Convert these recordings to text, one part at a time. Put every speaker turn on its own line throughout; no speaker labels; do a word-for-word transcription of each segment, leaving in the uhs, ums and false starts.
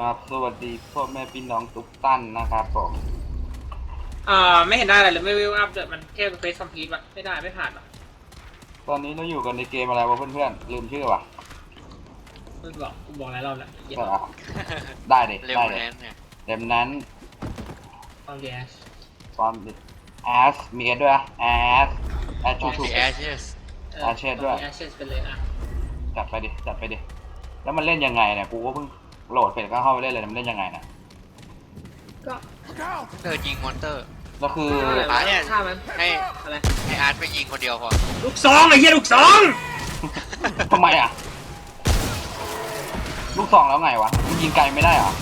ครับสวัสดีพ่อแม่พี่น้องทุกท่านนะครับผม
อ่าไม่เห็นได้อะไรเลยไม่วิวอัพเดี๋ยวมันแค่เฟซคอมพลีทวะไม่ได้ไม่ผ่านหรอก
ตอนนี้เราอยู่กันในเกมอะไรวะเพื่อนๆลืมชื่อว่ะ
มึงบอกกูบอกหลายรอบแล้วเหี้ย
ใช่เหรอได้เลย
เร็ว
ได้เลย
แน่นเนี่ย
เต็มนั้น
โอเค
ตอนแอสมีเอสด้วยแอสแอสชูชู
The Ashes
เออ
อาเชสด้วย
อาเชสไปเลยอ่ะ
จัดไปดิจัดไปดิแล้วมันเล่นยังไงเนี่ยกูก็เพิ่งโหลดเสร็จก็เข้าไปเล่นเลยมันเล่นยังไงนะ
ก็
เธอยิงมอนเตอร์
แล้วคือ
ฆ่าอะไรวะฆ่ามัน
ให้
อะไร
ให้อาร์ตไปยิงคนเดียวพอ
ลูกซองไอ้เหี้ยลูกซอง
ทำไมอ่ะลูกซองแล้วไงวะมันยิงไกลไม่ได้เหรอ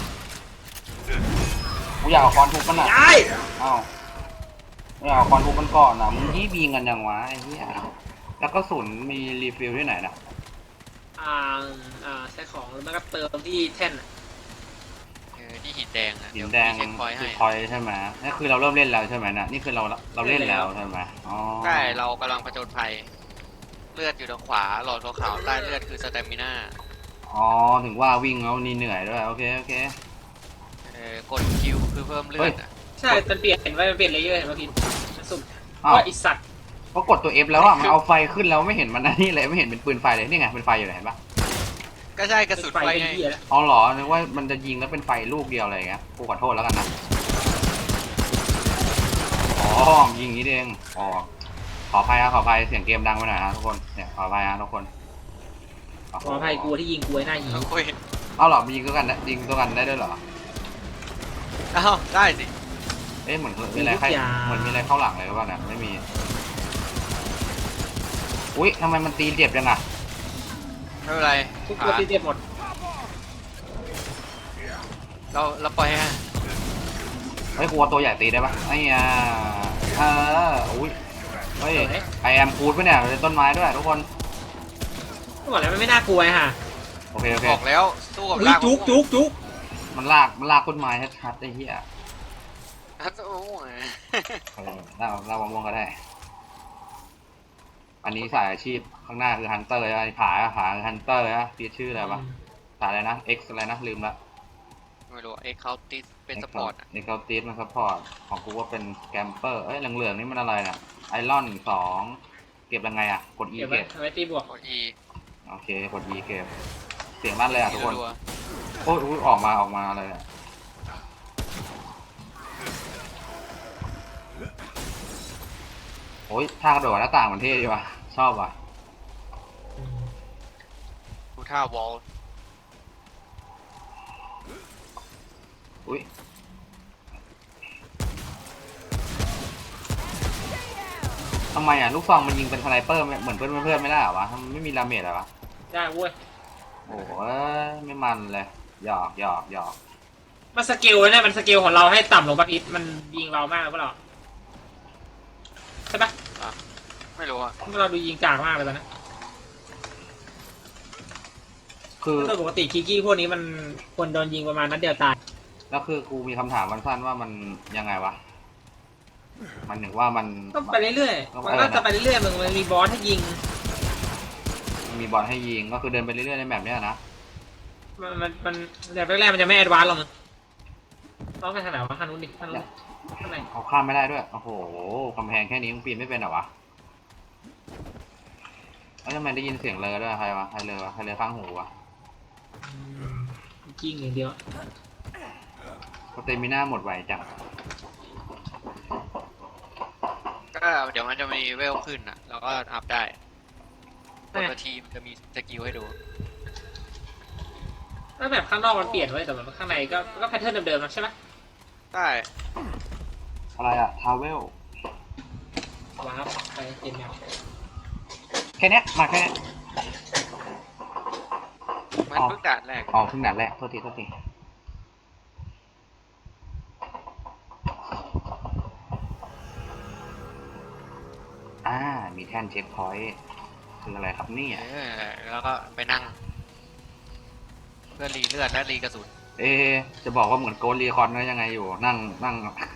กูอยากเอาคอนทุบมันอ่ะ
ย้าย
อ้าวไม่เอาคอนทุบมันก่อนนะมึงยี่บีกันยังวะไอ้เหี้ยแล้วก็ศูนย์มีรีฟิลที่ไหนนะ
อ่าอ่าใช้ของแล้วมันก็เติมที่แท่นอะ
เออที่หินแดงอ่ะ
หิ
เดี๋ย
น
ว
แดง
มีเช็คพอยต์
คื
ให้
อพอยใช่ไหมนี่คือเราเริ่มเล่นแล้วใช่ไหมนะนี่คือเราเราเล่นแล้วใช่ไหมอ๋อ
ใช่เรากำลังผจญภัยเลือดอยู่ทางขวาหลอดขาวๆใต้เลือดคือสเตมิน่า
อ๋อถึงว่าวิ่งแล้วนี่เหนื่อยด้วยโอเคโอเค
เออกดคิวคือเพิ่มเลือดอ่ะ
ใช่มันเปลี่ยนเห็นว่ามันเปลี่ยนเลเยอร์เห็นป่ะพี่มันสุ่ม
อ้าว
ว่าอิสัตว์
ก็กดตัว F แล้วอ่ะมันเอาไฟขึ้นแล้วไม่เห็นมันอันนี่เลยไม่เห็นเป็นปืนไฟเลยนี่ไงเป็นไฟอยู่ไหนเห็นปะ
ก็ใช่กระสุน
ไฟ
ไฟ
เป็น
ไง
เหี้ยแล้ว
อ๋อเหรอนึกว่ามันจะยิงแล้วเป็นไฟลูกเดียวอะไรอย่างเงี้ยกูขอโทษแล้วกันนะอ๋อยิงอย่างนี้เองอ๋อขออภัยครับขออภัยเสียงเกมดังไปหน่อยนะทุกคนเนี่ยขออภัยนะทุกคน
ขออภัยกูที่ยิงกูไอ้หน้าหี
โอ้ย
เอาเหรอมียิงตัวกันได้ยิงตัวกันได้ด้วยเหรอ
เอ้าได้สิ
เอ๊ะเหมือนมีอะไรใครเหมือนมีอะไรเข้าหลังเลยหรือเปล่าเนี่ยไม่มีอุ๊ยทำไมมันตีเจ็บจังอะ
ไม่เป็นไร
ทุกตัวที่เจ็บหมด
เราเราปล่อยให้
เฮ้ยกลัวตัวใหญ่ตีได้ปะไอ้ยาเอออุ้ยเฮ้ยไอแอมคูดปะเนี่ยเป็นต้นไม้ด้วยทุกคน
ก็บอกแล้วมันไม่น่ากลัวไอ้ห่า
โอเคโอเค
บอกแล้วสู้กับ
เฮ้ย
ลาก
จุกจุกจุก
มันลากมันลากต้นไม้ชัดๆไอ้เหี้ย
โอ้ย
เออลากลากมะม่วงก็ได้ อันนี้สายอาชีพข้างหน้าคือฮันเตอร์ไอ้ผาผาคือฮันเตอร์นะพี่ชื่ออะไรวะสายอะไรนะ X อะไรนะลืมละ
ไม่รู้เอ็กเคาติสเป็นสปอร์ตอ่ะ
เอ็กซ์ตีสมันซัพพอร์ตของกูว่าเป็นแกมเปอร์เอ้ยเหลืองๆนี่มันอะไรน่ะไอรอนสองเก็บยังไงอ่ะกด E
เก็บไว้
เก็บ
เอาไว้ตีบวก
กด E
โอเคกด E เก็บเสียงลั่นเลยอ่ะทุกคน
รัว
โอ้ยอุ๊ยออกมาออกมาเลยอ่ะโอ้ยท่ากระโดดหน้าต่างมันเท่ดีว่ะชอบว่ะ
ๆดูท่าวอล
อุ้ยทำไมอ่ะลูกซองมันยิงเป็นสไนเปอร์เหมือนเพื่อนเพื่อนไม่ได้เหรอวะมันไม่มีดาเมจเหรอวะ
ได้เว้ย
โอ้ยไม่มันเลยหยอกหยอกหยอก
มันสกิลเนี่ยมันสกิลของเราให้ต่ำลงปะพิษมันยิงเรามากหรือเปล่าใช่ปะ
ไม่รู้อ่ะ
เราดูยิงจากมากเลยตอนนี้
คือ
โดยปกติคิกกี้พวกนี้มันควรโดนยิงประมาณนัดเดียวตาย
แล้วคือกูมีคำถามสั้นๆว่ามันยังไงวะมันถึงว่ามัน
ก็ไปเรื่อยๆมันก็จะไปเรื่อยๆมึงมันมีบอสให้ยิง
มันมีบอลให้ยิงก็คือเดินไปเรื่อยๆในแมปเนี้ยนะ
มันมันมันแบบแรกๆมันจะไม่แอดวานซ์หรอกมึงต้องไปทางไหนวะทางนู้นดิทางนู้นข้างใน
เอาข้ามไม่ได้ด้วยโอ้โหกำแพงแค่นี้มึงปีนไม่เป็นเหรอวะแล้วทำไมได้ยินเสียงเลอด้วยใครวะใครเลอวะใครเลอข้างหูวะ
ยิงอย่างเดียว
สเตมิน่าหมดไวจัง
ก็เดี๋ยวมันจะมีเวลขึ้นอ่ะเราก็อัพได้ปกติมันจะมีสกิลให้ดู
ถ้าแบบข้างนอกมันเปลี่ยนไว้แต่แบบข้างในก็ก็แพทเทิร์นเดิมๆนะใช่ไหม
ได้
อะไรอะทาวเวล
ว้าวไปเต็มแนว
แค่เนี้ยมาแค่เนี้ย
มันเพิ่งด่านแรก
อ๋อเพิ่งด่านแรกโทษทีโทษทีอ่ามีแท่นเช็คพอยต์คืออะไรครับเนี่ย
เออแล้วก็ไปนั่ง เพื่อรีเลือดและรีกระสุน
เอ๊ะจะบอกว่าเหมือนโกลรีคอนก็ยังไงอยู่นั่งนั่ง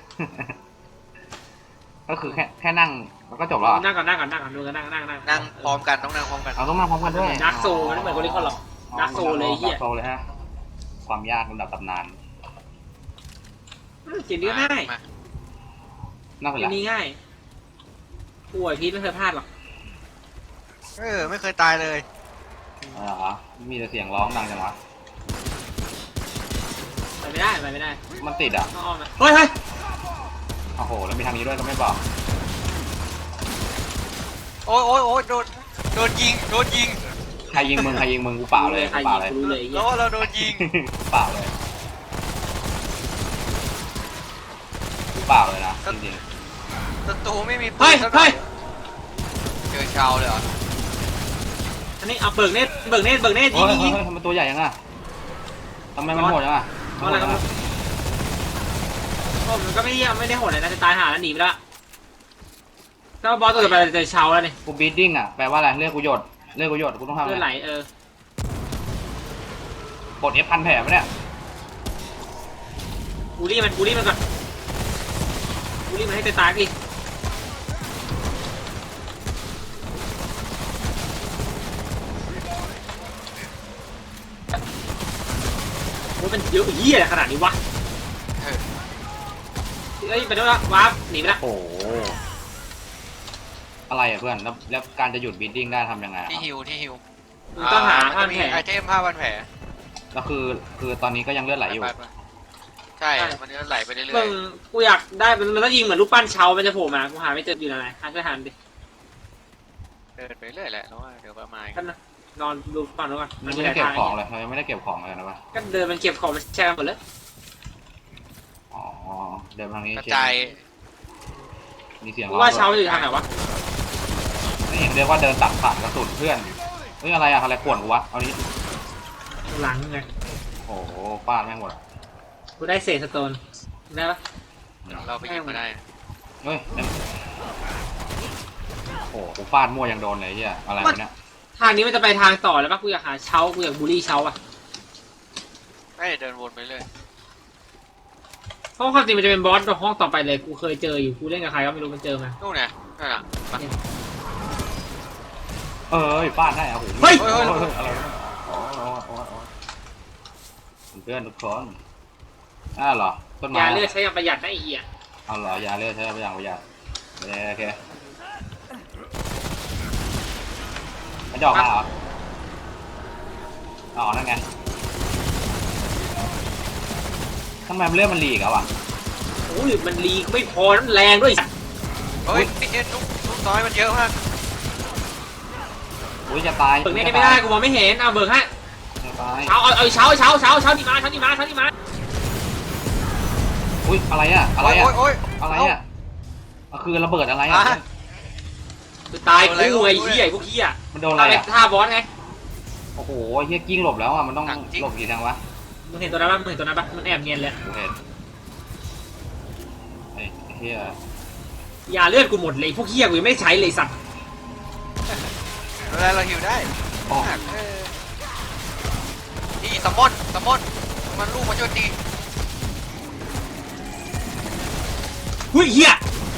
ก็คือแค่แค่นั่งแล้วก็จบแล้ว
นั่งก่อนนั่งก่อนนั่งก่อนดูกันนั่งนั่งนั่ง
นั่งพร้อมกันต้องนั่งพร้อมกัน
เอาต้องนั่งพร้อมกันด้วย
ดาร์กโซลมันไม่เหมือนโกลิคอนหรอกดาร์กโซลเลยเฮีย
ดาร์กโซลเลยฮะความยากระดับตำนาน
อืมเกมนี้ก็ง่าย
มา
น่าเป็น
เก
ไร
มนี้ง่ายป่วยพีทไม่เคยพลาดหรอก
เออไม่เคยตายเลย
เออเหรอมีแต่เสียงร้องดังจังวะ
ไปไม่ได้ไปไม่ได้
มันติดอ่ะ
ต้องอ้อมมาเฮ้ยเฮ้ย
โอ้โหแล้วมีทางนี้ด้วยก็ไม่บอก
โอ้ยโอ้ยโอ้ยโดนโดนยิงโดนยิง
ใครยิงมึงใครยิงมึงกูเปล่าเลย
ใคร
กูเป
ยิ
ล่าง เลย
กูรู้เลยไอ้เหี้
แล้
ยว
เราโดนยิง
กูเปล่าเลยกูเปล่าเลยนะจริง
ศัตรูไม่มีปื
เฮ้ย
นสักหน่
เฮ้
อย ยเจอชาวเลยเหรอ
อันนี้เอาเบิกเนตเบิกเนตเบิกเนต
ๆ
ยิ
เฮ้
ง
ย
ยิง
เฮ้
ยิ
ย
ง
ทำไมตัวใหญ่ยังอ่ะทำไมมันโหดจังอ่ะ
เพราะอะไรครับโอ้มันก็ไม่ได้ไม่ได้โหดเลยนะจะตายหาแล้วหนีไปแล้วถ้าบอสตัวต่อไปจะเชาแล้วนี่
กูบีดดิ้งอ่ะแปลว่าอะไรเลือดกูหยดเลือดกูหยดกูต้องทำ
เลือด
อะ
ไหล
ไร
เออก
ดเอฟพันแผลปะเนี่ย
บูลลี่มันบูลลี่มันก่อนบูลลี่มันให้ตายๆพี่โอ้ยมันเยอะเหี้ยอะไรขนาดนี้วะ
เออ
เอ้ยไปแล้วละวาร์ปหนีไปละ
โอ้โหอะไรอ่ะเพื่อนแล้วแล้วการจะหยุดบีดดิ้งได้ทำยังไงอะ
ที่ฮิวที่ฮิว
มึงต้องหา
มัน
ผ้า
จะมี
แผล
ไอเทมผ้าพันแผล
แล้วคือคือตอนนี้ก็ยังเลือดไหลอยู่
ไปไปใช่ มันจะไหลไปเรื่
มึ
อย
งกูอยากได้มันมันต้องยิงเหมือนลูกปั้นเชามันจะโผล่มากูหาไม่เจออยู่ไหนหาช่วยหันดิ
ๆเดินไปเรื่อยแหละแล้วว่าเดี๋ยวประมาณ
กันนะนอนดูฝั่งนู้นก่อน
มันไม่ได้เก็บของเลยเรายังไม่ได้เก็บของเลยนะวะ
ก็เดินมันเก็บของมันแช่หมดเลย
อ๋อเดินทางนี้
กระจาย
มีเสียง
กู
ร้อง
ว่าเชาอยู่ทางไหนวะ
นี่เรียกว่าเดินตัดผ่านกระสุนเพื่อนเฮ้ยอะไรอะอะไรขวนกูวะเอานี้
หลังไง
โอ้โหฟาดแม่งหมด
กูได้เศษสโตนได้ปะ
เราไปหยิบมาได้
เฮ้ยนั่นโอ้โหกูฟาดมั่วยังโดนเลยเฮียอะไรวะเนี่ย
ทางนี้มันจะไปทางต่อแล้วปะกูอยากหาเชากูอยากบูลลี่เชาอ่ะ
ไม่เดินวนไปเรื่อย
เพราะความจริงมันจะเป็นบอสในห้องต่อไปเลยกูเคยเจออยู่กูเล่นกับใครก็ไม่รู้มันเจอมา
นู่นเนี่ยนั่นน่ะมา
เออฟาดได้อะโอ้โห
เฮ้ย
เฮ้ยเฮ้ยอะไรวะโอ้โหโอ้โหโอ้โหเพื่อนทุกคนอ้าวเหรอต้นไม้
ยาเลือดใช้อย่างประหยัดนะไอ้เหี้ย
เอาเหรอยาเลือดใช่ไหมอย่างประหยัดโอเคโอเคมันจะออกมาเหรออ๋อนั่นไงทำไมมันเลือดมันหลีกอะวะ
โอ้ยมันรีไม่พอน้ำแรงด้วย
เฮ้ยไอ้เนี่ยลูกลูกน้อยมันเยอะมาก
อุ้ยจะตาย
เบิกเนตไม่ได้กูมองไม่เห็นเอาเบิกให้
จะตาย
เชาเอาเอาเชาเชาเชาเชานี่มาเชานี่มาเชานี่มา
อุ้ยอะไรอะอะไรอะ
โอ้ยโอ้ย
อะไรอะอ่ะคือระเบิดอะไร
อ่ะ
อะ
คือตายกูไอ้เหี้ยพวกเหี้ย
มันโดนอะไร
ท่า
อะ
ท่าบอสไง
โอ้โหเฮียกิ้งหลบแล้วอะมันต้องหลบกี่ทางวะ
มึงเห็นตัวนั้นปะมึงเห็นตัวนั้นปะมันแอบเนียนเลย
กูเห็นไอ้เฮีย
ยาเลือดกูหมดเลยพวกเหี้ยกูยังไม่ใช้เลยสัตว์
เวลาเราหิวได้
อ๋อ
เออนี่สมอนสมอนมันลูกมันโจมตี
เฮ้ยเหี้ย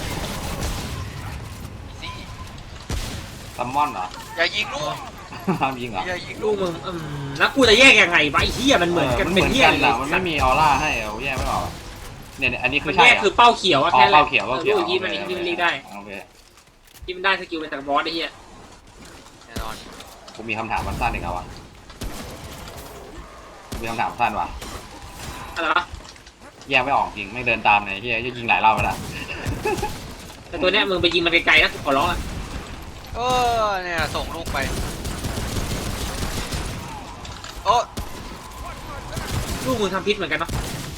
สิ
ซัมมอนเหรอ
อย่ายิงลูก
ทำยิงเหรอ
อย่ายิง
ลู
ลู
ก
ก
มึงอืมแล้วกูจะแยกยังไงวะไอ้เหี้ยมันเหมือนกัน
มัน
เป็น
เหมือน
เหี้ย
กัน
เลย
อะมันไม่มีออร่าให้เอาแยกไม่ออกเนี่ยเนี่ยอันนี้คื
มั
อน ใช่
แยก
อะ
คือเป้าเขียวอะ
อ๋อ
แค่นั้นแหละ
เป้าเขียวเป้าเขียว
ลูกยีนมันยิงมันยิงได้
โอเค
ยิงมันได้สกิลเป็นจากบอสไอ้เหี้ย
แน่นอน
กูมีคำถามสั้นๆอีกแล้ววะกูมีคำถามสั้นวะ
อะไรวะ
แยกไม่ออกจริงไม่เดินตามไหนที่จะยิงหลายรอบแล้วนะ
แต่ตัวเนี้ยมึงไปยิงมันไกลๆนะขอร้องอะ
เออเนี่ยส่งลูกไปโอ้
ลูกมึงทำพิษเหมือนกันเนาะ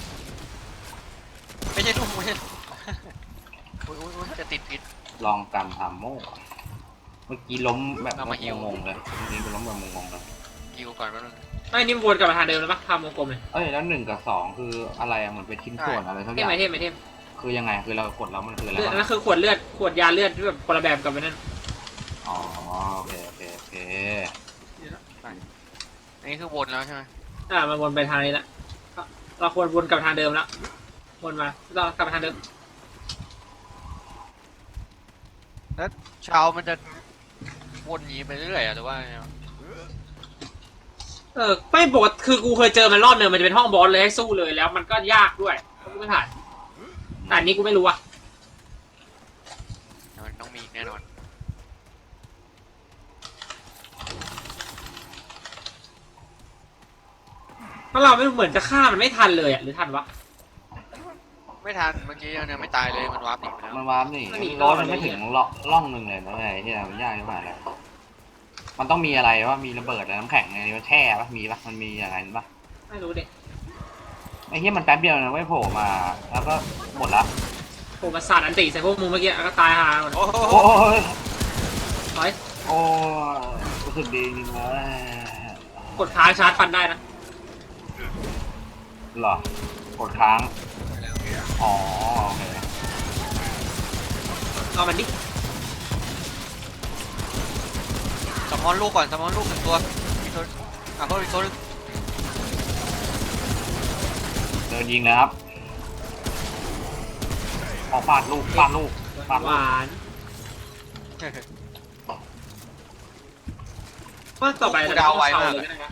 ไม่ใช่ลูกไม่ใช่ลูกอุ๊ยอุ๊ยอุ๊ยจะติดพิษ
ลองกันทำโม่เมื่อกี้ล้มแบบ
เอามาหิว
งงๆเลยเมื่อกี้กูล้มแบบงงๆเลย
ยิวก่อนแป๊บนึง
ไอ้นี่มันวนกลับมาทางเดิมแล้วปะทำวงกลมเลย
เอ้ยแล้วหนึ่งกับสองคืออะไรอะเหมือนเป็นชิ้นส่วนอะไรสักอ
เทม
ย่าง
ไหมเทมไหมเทม
คือยังไงคือเรากดแล้วมันคืออะไร
เลือด
วะ
นั่นคือขวดเลือดขวดยาเลือดที่แบบคนละแบบกับมันนั่น
อ๋อโอเคโอเคโอเค
อันนี้คือวนแล้วใช่ไหม
อ่ามันวนไปทางนี้ละเราควรวนกลับทางเดิมแล้ววนมาเรากลับมาทางเดิม
แล้วชาวมันจะวนหนีไปเรื่อยๆอะหรือว่าไงวะ
เอเออไม่ปกติคือกูเคยเจอมันรอบหนึ่งมันจะเป็นห้องบอสเลยให้สู้เลยแล้วมันก็ยากด้วยกูไม่ผ่านแต่อันนี้กูไม่รู้อะ
มันต้องมีแน่นอน
เพราะเราไม่เหมือนจะฆ่ามันไม่ทันเลยอะหรือทันวะ
ไม่ทันเมื่อกี้ยังไม่ตายเลยมันวาร์ปหนีไปแล้ว
มันวาร์ปนี่
มันหนี
รถมันไม่ถึงล่องล่องหนึ่งเลยนะไอ้ที่มันยากที่ผ่านแล้วมันต้องมีอะไรว่ามีระเบิดอะไรน้ำแข็งอะไรมันแช่ปะมีปะมันมีอะไรปะ
ไม่รู้เด็ก
ไอ้เหี้ยมันแป๊บเดียวนะไม่โผล่มาแล้วก็หมดละ
ผมมาสาดอันติใส่พวกมึงเมื่อกี้แล้วก็ตายหาหมด
โอ้โห
โอ้ย
ถอย
โอ้ยรู้สึกดีจริงเลย
กดค้างชาร์จฟันได้นะ
เหรอกดค้างอ๋อโอเค
เอามันดิ
สมอนลูกก่อนสมอนลูกหนึ่งตัวมีตัวอ่ะเพิ่มอีกตัวนึง
เดินยิงนะครับออกฟาดลูกฟาดลูกฟาด
ห
ลูก
วานว่าต่อไปเราจะต้องเชาเลยก็ได้นะ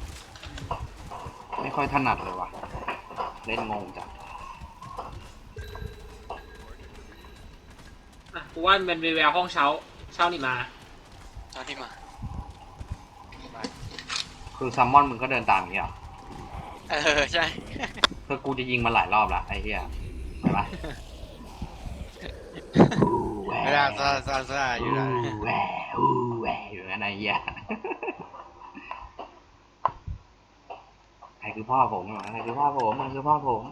ไม่ค่อยถนัดเลยว่ะเล่นงงจัง
อ่ะกูว่ามันเป็นแววห้องเช้าเช้านี่มา
ตอนที่มา
คือซัมมอนมึงก็เดินตามอย่างเงี้ยเหรอ
เออใช่
คือกูจะยิงมันหลายรอบละไอ้เหี้ยเห็นปะ
เวลาซาซาซาอยู่แล้ว
อู้แหวอู้แหวอยู่งั้นไอ้เหี้ยใครคือพ่อผมเหรอใครคือพ่อผมมันคือพ่อผม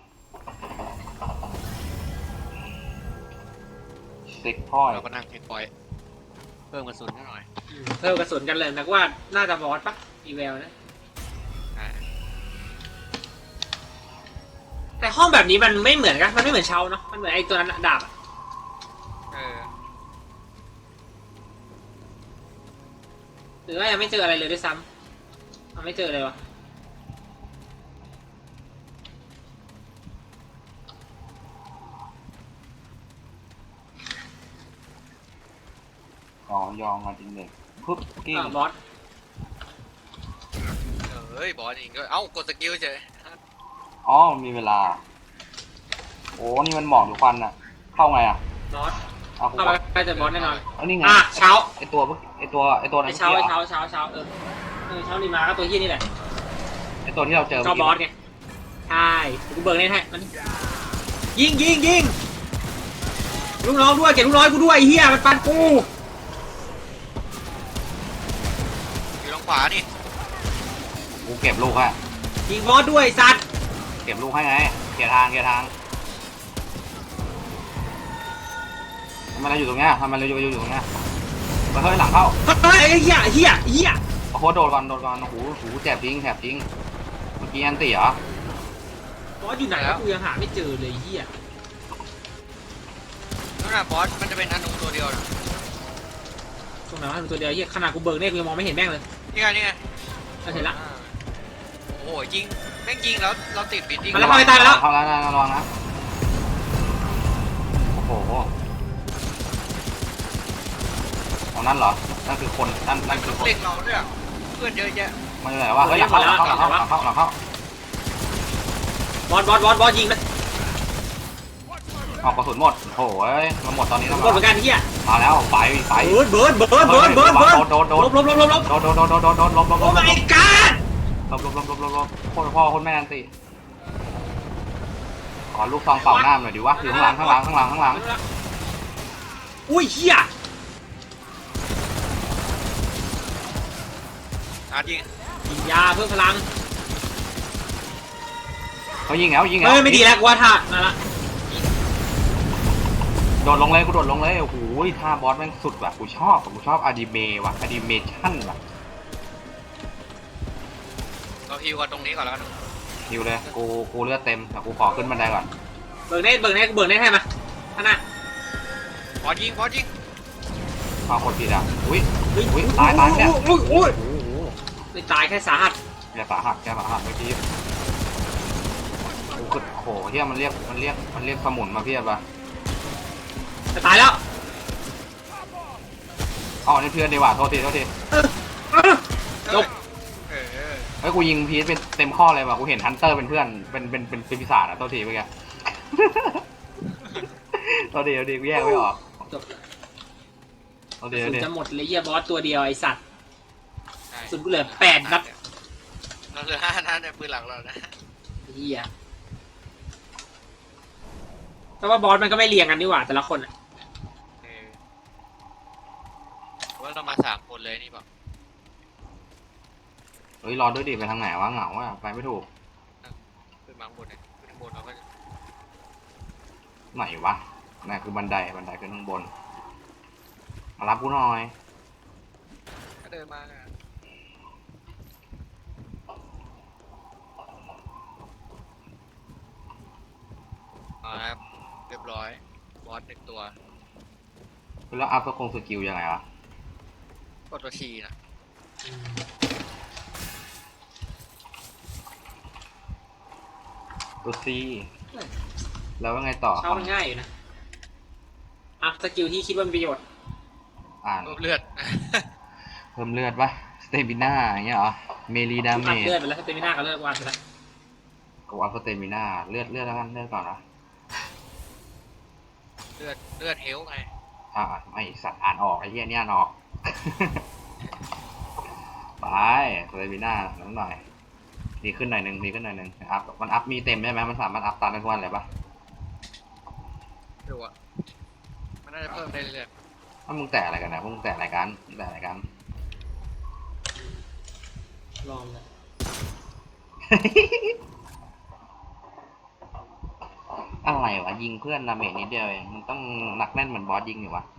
ซิกพ่อ
เราก็นั่งเช็คพอยต์เพิ่มกระสุนนิดหน่อย
อืมเพิ่มกระสุนกันเลยนะว่าน่าจะบอสปะอีเวลนะ
อ่า
แต่ห้องแบบนี้มันไม่เหมือนกันมันไม่เหมือนเช้าเนาะมันเหมือนไอ้ตัวนั้นอะดาบอะ
เออ
หรือว่ายังไม่เจออะไรเลยด้วยซ้ำมันไม่เจอเลยวะ
อ๋อยองมาจริงเลยปึ๊บกิ้ง
อ่าบอส
เฮ้ยบอสเองก็เอ้ากดสกิลเฉย
อ๋อมีเวลาโอ้นี่มันหมอกทุกวันน่ะเข้าไงอ่ะ
บอส
เอากู
เข้าไปใกล้จะบอสแน่นอน
เอานี่ไง
อ่ะเช้า
ไอตัวไอตัวไอตัวนั้
ไอ้
น
เช้า
เมื่
ไอ้
อกี้เหร
เช้า
อ
เช้าเช้าเช้าเออเออเช้านี่มาก็ตัวเฮี้ยนี่แหละ
ไอตัวที่เราเจอ
เจ้าบอสไงใช่กูเบิกเล่นให้มันยิงยิงยิงลูกน้องด้วยเก็บลูกน้อยกูด้วยไอ้เฮียมันปันกู
อยู่ทางขวานี่
กูเก็บลูกฮะ
ยิงบอสด้วยไอ้สัตว์
เก็บลูกให้ไงเกียร์ทางเกียร์ทางทำไมเราอยู่ตรงเนี้ยทำไมเราอยู่อยู่ตรงเนี้ยมาเฮ้ยหลังเข้า
เฮ้ยไอ้เฮียเฮียเฮีย
โอ้โหโดดก่อนโดดก่อนโอ้โหโอ้โหแสบจริงแสบจริงเมื่อกี้อันตีเหรอบ
อสอยู่ไหนวะกูยังหาไม่เจอเลยไอ้เฮีย
นั่นน่ะบอสมันจะเป็นอนุตัวเดียวนะ
ตรงไหนวะตัวเดียวเฮียขนาดกูเบิกเนี่ยกูยังมองไม่เห็นแม่งเลย
นี่ไงนี่ไง
เราเห็นละ
อ่าโอ้โหยิงแม่งยิงแล้วเราติดบิดดิ้ง
มาแล้วเข้าไปตายแล้ว
เข้าแล้วนะระวังนะโอ้โหตรงนั้นเหรอนั่นคือคนนั่น
มั
นั่
น
นคือคน
เล็กเราด้วยอะเพื่อนเยอะแยะ
มันอยู่ไหนวะเฮ้ยหลังเข้าหลังเข้าหลังเข้าหลังเข้าหลังเข้า
บอสบอสบอสบอสยิงเลย
ออกกระสุนหมดโอ้โหเอ้ยมันหมดตอนนี้แล้ว
หมดเหมือนกันเฮีย
มาแล้วไปไป
เบิร์ดเบิร์ดเบิร์ดเบิร์ดเบิร์ดเบิร์ด
โดนโดน
ลบลบลบลบลบ
โดนโดนโดนโดนโดนโดนลบลบล
โอ้
บลบ
my god
ลบลบลบลบลบลบโคตรพ่อโคตรแม่นันติขอลูกซองเป่าหน้าหน่อยดิวะอยู่ข้างหลังข้างหลังข้างหลังข้างหลัง
อุ้ยเฮีย
อาร์ตยิง
กินยาเพิ่มพลัง
เขายิงแล้วยิงแล้ว
เฮ้ยไม่ดีแล้วกูว่าท่ามาละ
โดดลงเลยกูโดดลงเลยโอ้โหท่าบอสแม่งสุดว่ะกูชอบกูชอบอนิเมะว่ะอนิเมชั่นว่ะ
เราฮิวกันตรงนี้ก่อนแล้วกัน
ฮิวเลยกูกูเลือดเต็มแต่กูขอขึ้นบันไดก่อน
เบิกเน็ตเบิกเน็ตกูเบิกเน็ตให้มาท่านน่ะ
บอสยิงบอสยิง
เอาคนผิดอ่ะอุ้ย
เฮ้ย
อุ้ยตายตายเนี่ย
อุ้ยอุ้ย
โอ้โห
ไม่ตายแค่สาหัส
แกสาหัสแกสาหัสเมื่อกี้กูคือโหเฮียมันเรียกมันเรียกมันเรียกสมุนมาเพียบอ่ะ
จะตายแล้ว
อ๋อนี่เพื่อนดีกว่าโทษทีโทษที
เออเออจบ
เออ
เฮ้ยกูยิงพีชเป็นเต็มข้อเลยว่ะกูเห็นฮันเตอร์เป็นเพื่อนเป็นเป็นเป็นเป็นปีศาจอะตัวทีเมื่อกี้ ตัวดีตัวดีกูแยกไม่ออก
จบ
ตัว
ก
ดี
ระ
ตั
สุ
วน ดี
จะหมดเลยเหี้ยบอสตัวเดียวไอสัตว์
ใช่
สุดกูเหลือแปดนัด
เราเหลือห้านัดในปืนหลักเรานะ
เหี้ยแต่ว่าบอสมันก็ไม่เรียงกันนี่หว่าแต่ละคนอะ
เออว่าเรามาสามคนเลยนี่เปล่า
เฮ้ยรอด้วยดิไปทางไหนวะเหงาอ่ะไปไม่ถูก
ขึ้นมาข้างบนเนี่ยขึ้นข้างบนเราก็
ไหนวะนั่นคือบันไดบันไดขึ้นข้างบนมารับกูหน่อย
ก็เดินมาอะเอาละครับเรียบร้อยบอสหนึ่งตัว
แล้วอัพสกงสกิลยังไงวะ
กดตัวทีนะ
ตัวซีแล้วว่าไงต่อ
เช่ามันง่ายอยู่นะอัพสกิลที่คิดว่ามีประโยชน์
อ่าน
เพิ่มเลือด
เพิ่มเลือดปะสเตมิน่าอย่างเงี้ยเหรอเมลีดาเม
อัพ
จ
เลือดไปแล้วสเตมิน่าก็เลิกวันไปแล้ว
กูอัพสเตมิน่าเลือดเลือดแล้วกันเลือดก่อนนะ
เลือดเลือดเฮลไง
อ่าไม่สัตว์อ่านออกไอ้เหี้ยเนี่ยอ่านออก ไปสเตมิน่าน้องหน่อยดีขึ้นหน่อยหนึ่งดีขึ้นหน่อยหนึ่งอัพมันอัพมีเต็มใช่ไหมมันสามารถอัพตามได้ทุกวันเลยปะ
ดูอ่ะมันน่าจะเพิ่มได้เรื่อย
ถ้ามึงแตะอะไรกันนะพวกมึงแตะอะไรกันมึงแตะอะไรกัน
ลองเลย
อะไรวะยิงเพื่อนดาเมจนิดเดียวเองมึงต้องหนักแน่นเหมือนบอสยิงอยู่วะ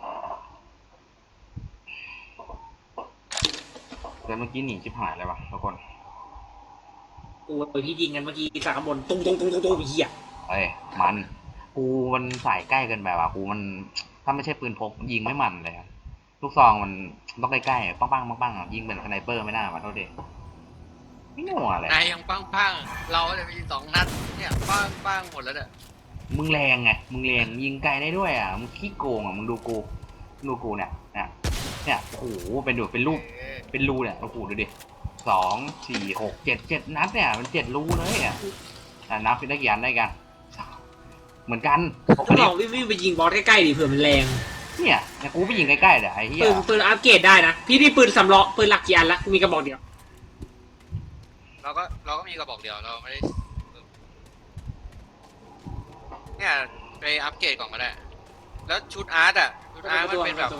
แต่เมื่อกี้หนีชิบหายเลยวะทุกคน
กูไปพี่ยิงกันเมื่อกี้จากข้างบนตุ้งตุ้งตุ้งตุ้งตุ้งเหี้ย
เอ้ยมันกูมันสายใกล้เกินไปว่ะกูมันถ้าไม่ใช่ปืนพกยิงไม่มันเลยอะลูกซองมันต้องใกล้ๆปังปังปังปังๆยิงเป็นสไนเปอร์ไม่น่ามาโทษเด็ไม่หนัวเลย
ๆนายยังปังปังๆเราจะมีสองนัดเนี่ยปังปังๆหมดแล้วเนี่ย
มึงแรงไงมึงแรงยิงไกลได้ด้วยอ่ะมึงขี้โกงอ่ะมึงดูกูดูกูเนี่ยเนี่ยเนี่ยโอ้โหเป็นดูเป็นรูป
เออ
เป็นรูเนี่ยโอ้โหดูดิสองสี่หกเจ็ดเจ็ดนัดเนี่ยมันเจ็ดรูเลยอ่ะอ่ะนับได้กี่อันได้กันเหมือนกัน
ก็ลองวิ่งวิ่งไปยิงบอสใกล้ๆดิเผื่อมันแรง
เนี่ยเนี่ยกูไปยิงใกล้ๆเดี๋ยวไอ้เหี้ย
ปืนปืนอัปเกรดได้นะพี่พี่ปืนสำรองปืนหลักกี่อันละกูมีกระบอกเดียว
เราก็เราก็มีกระบอกเดียวเราไม่ได้เนี่ยไปอัปเกรดก่อนก็ได้ แล้วชุดอาร์ตอ่ะชุดอาร์ตมันเป็นแบบ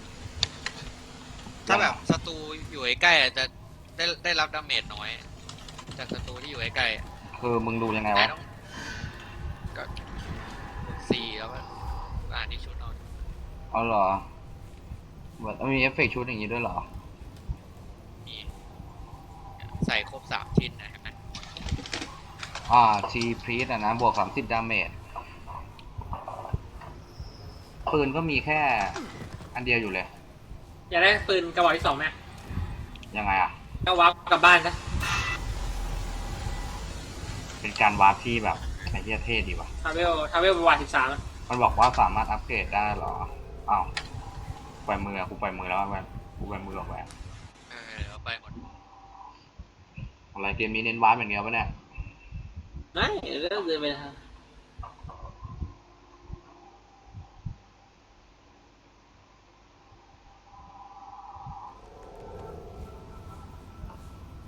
ถ้าแบบศัตรูอยู่ใกล้ๆอ่ะจะได้ได้รับดาเมจน้อย จากศัตรูที่อยู่ใกล้ๆอ่ะ
คือมึงดูยังไง
นายว
ะ
ต้องก็กดสี่แล้วก็อ่านที่ชุดเอา
เอาเหรอแบบมีเอฟเฟกต์ชุดอย่างงี้ด้วยเหรอ
มีใส่ครบสามชิ้นนะเห็นไหม
อ่าทีพรีสอ่ะนะบวกสามสิบดาเมจปืนก็มีแค่อันเดียวอยู่เลย
อยากได้ปืนกระบอกที่สองไหม
ยังไงอ่ะ
ก็วาร์ปกลับบ้านซะ
เป็นการวาร์ปที่แบบไอ้เหี้ยเท่ดีว่ะ
ทาเวลทาเวลประวัติสิบสาม
มันบอกว่าสามารถอัปเกรดได้เหรออ้าวปล่อยมืออะกูปล่อยมือแล้วแวนกูปล่อยมือออกไป
เออเอาไปหมด
อะไรเกมนี้เน้นวาร์ปอย่างเดียวปะเนี่ย
ไม่เลิกเดินไปทาง